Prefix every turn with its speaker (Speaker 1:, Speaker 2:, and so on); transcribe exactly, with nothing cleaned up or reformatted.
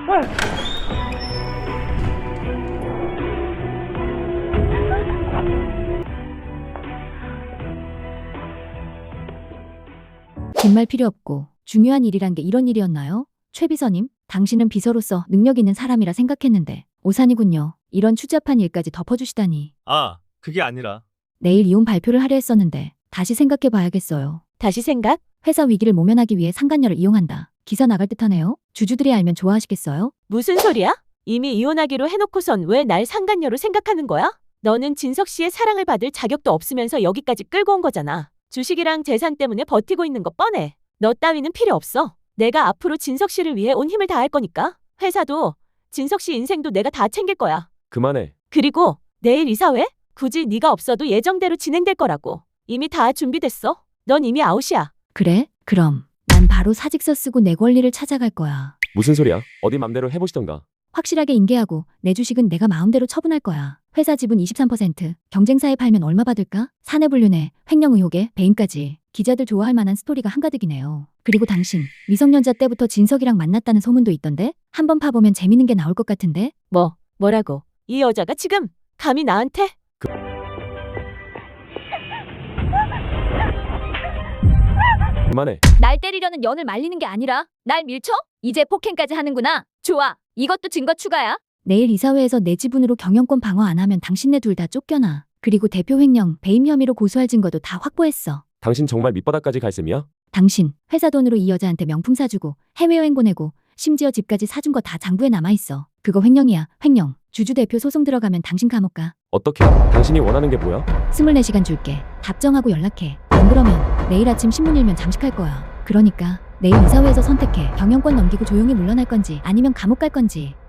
Speaker 1: 긴 말 필요 없고 중요한 일이란 게 이런 일이었나요? 최 비서님, 당신은 비서로서 능력 있는 사람이라 생각했는데 오산이군요. 이런 추잡한 일까지 덮어주시다니.
Speaker 2: 아, 그게 아니라.
Speaker 1: 내일 이혼 발표를 하려 했었는데 다시 생각해봐야겠어요.
Speaker 3: 다시 생각?
Speaker 1: 회사 위기를 모면하기 위해 상간녀를 이용한다. 기사 나갈 듯하네요. 주주들이 알면 좋아하시겠어요?
Speaker 3: 무슨 소리야? 이미 이혼하기로 해놓고선 왜 날 상간녀로 생각하는 거야? 너는 진석 씨의 사랑을 받을 자격도 없으면서 여기까지 끌고 온 거잖아. 주식이랑 재산 때문에 버티고 있는 거 뻔해. 너 따위는 필요 없어. 내가 앞으로 진석 씨를 위해 온 힘을 다할 거니까. 회사도 진석 씨 인생도 내가 다 챙길 거야.
Speaker 4: 그만해.
Speaker 3: 그리고 내일 이사회? 굳이 네가 없어도 예정대로 진행될 거라고. 이미 다 준비됐어. 넌 이미 아웃이야.
Speaker 1: 그래? 그럼 난 바로 사직서 쓰고 내 권리를 찾아갈 거야.
Speaker 4: 무슨 소리야? 어디 맘대로 해보시던가.
Speaker 1: 확실하게 인계하고 내 주식은 내가 마음대로 처분할 거야. 회사 지분 이십삼 퍼센트, 경쟁사에 팔면 얼마 받을까? 사내불륜에, 횡령 의혹에, 배임까지. 기자들 좋아할 만한 스토리가 한가득이네요. 그리고 당신, 미성년자 때부터 진석이랑 만났다는 소문도 있던데? 한번 파보면 재밌는 게 나올 것 같은데?
Speaker 3: 뭐, 뭐라고? 이 여자가 지금 감히 나한테?
Speaker 4: 그만해.
Speaker 1: 날 때리려는 연을 말리는 게 아니라 날 밀쳐? 이제 폭행까지 하는구나. 좋아. 이것도 증거 추가야. 내일 이사회에서 내 지분으로 경영권 방어 안 하면 당신네 둘 다 쫓겨나. 그리고 대표 횡령, 배임 혐의로 고소할 증거도 다 확보했어.
Speaker 4: 당신 정말 밑바닥까지 갈 셈이야?
Speaker 1: 당신 회사 돈으로 이 여자한테 명품 사주고 해외여행 보내고 심지어 집까지 사준 거 다 장부에 남아있어. 그거 횡령이야. 횡령. 주주 대표 소송 들어가면 당신 감옥 가.
Speaker 4: 어떻게? 당신이 원하는 게 뭐야?
Speaker 1: 스물네 시간 줄게. 답정하고 연락해. 안 그러면 내일 아침 신문 일면 잠식할 거야. 그러니까 내일 이사회에서 선택해. 경영권 넘기고 조용히 물러날 건지 아니면 감옥 갈 건지.